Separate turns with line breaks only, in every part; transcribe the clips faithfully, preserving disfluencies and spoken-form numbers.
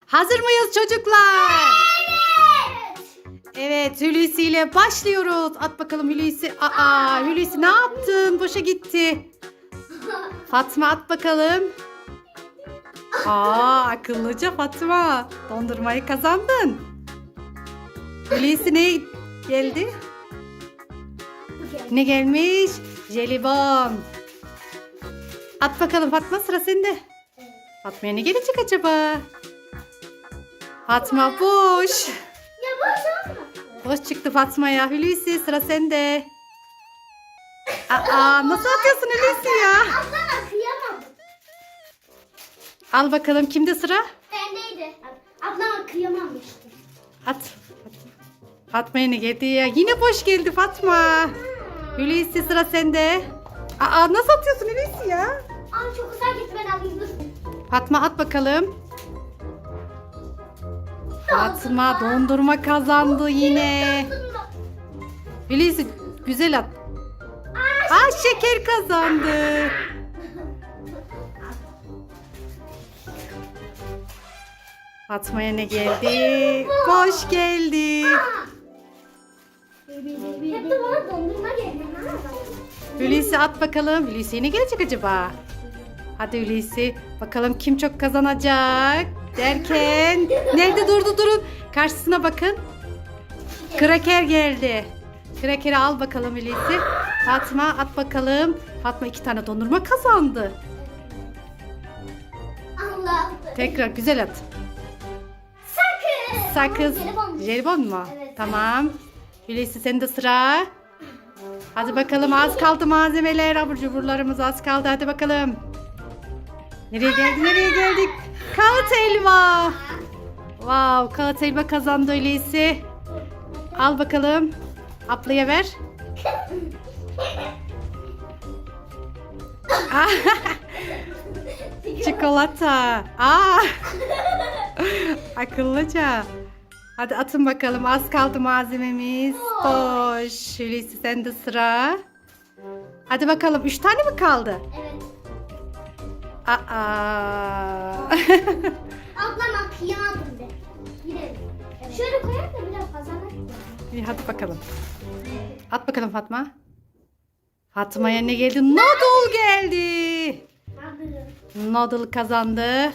Hazır mıyız çocuklar?
Evet.
Evet, Hulusi ile başlıyoruz. At bakalım Hulusi. Aa, Hulusi ne yaptın? Boşa gitti. Fatma at bakalım. Aa, akıllıca Fatma. Dondurmayı kazandın. Hulusi ne geldi? Ne gelmiş? Jelibon. At bakalım Fatma, sıra sende. Fatma'ya ne gelecek acaba? Fatma boş.
Ya boş olma.
Boş çıktı Fatma'ya. Hulusi sıra sende. Aa, nasıl atıyorsun Hulusi ya?
Ablama kıyamam.
Al bakalım, kimde sıra?
Bendeydi. Ablama kıyamamıştım.
At. Fatma'ya ne geldi ya? Yine boş geldi Fatma. Hulusi sıra sende. Aa, nasıl atıyorsun Hulusi ya?
Aa çok uzağa git, ben alayım dur.
Fatma at bakalım. Fatma dondurma kazandı yine. Hulusi güzel at. Aa, şeker kazandı. Fatma'ya ne geldi? Boş geldi.
Hep de bana dondurma geliyor.
Hulusi at bakalım. Hulusi'ye ne gelecek acaba? Hadi Hulusi. Bakalım kim çok kazanacak derken. Nerede durdu durun. Karşısına bakın. Kraker geldi. Kraker'i al bakalım Hulusi. Fatma at bakalım. Fatma iki tane dondurma kazandı.
Allah.
Tekrar güzel at.
Sakız.
Sakız.
Jelibon.
Jelibon mu?
Evet.
Tamam. Hulusi senin de sıra. Hadi bakalım, az kaldı malzemeler. Abur cuburlarımız az kaldı. Hadi bakalım. Nereye geldik? Nereye geldik? Kağıt elma. Wow, kağıt elma kazandı Hulusi. Al bakalım. Ablaya ver. Çikolata. Aa. Akıllıca. Hadi atın bakalım. Az kaldı malzememiz. Boş. Hulusi sende sıra. Hadi bakalım. Üç tane mi kaldı?
Evet.
Aa.
Ablama kıyamadım de. Gidelim. Evet. Şöyle koyar da biraz kazanır.
İyi, hadi bakalım. At bakalım Fatma. Fatma'ya ne geldi? Noodle geldi.
Alırım.
Noodle kazandı.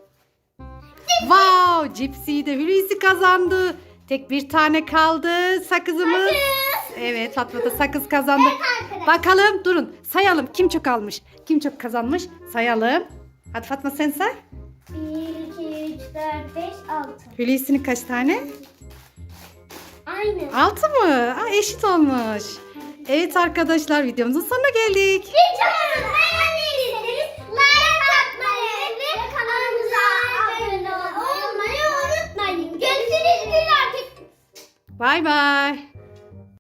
Wow, cipsi de Hulusi kazandı. Tek bir tane kaldı sakızımız. Evet, Fatma da sakız kazandı. Bakalım, durun sayalım kim çok almış, kim çok kazanmış sayalım. Hadi Fatma sen say.
bir, iki, üç, dört, beş, altı.
Hulusi'nin kaç tane?
Aynı.
Altı mı? Aa, eşit olmuş. Evet arkadaşlar, videomuzun sonuna geldik.
Videomuzu beğendiyseniz like atmayı ve kanalımıza abone olmayı unutmayın. Görüşürüz artık.
Bay bay.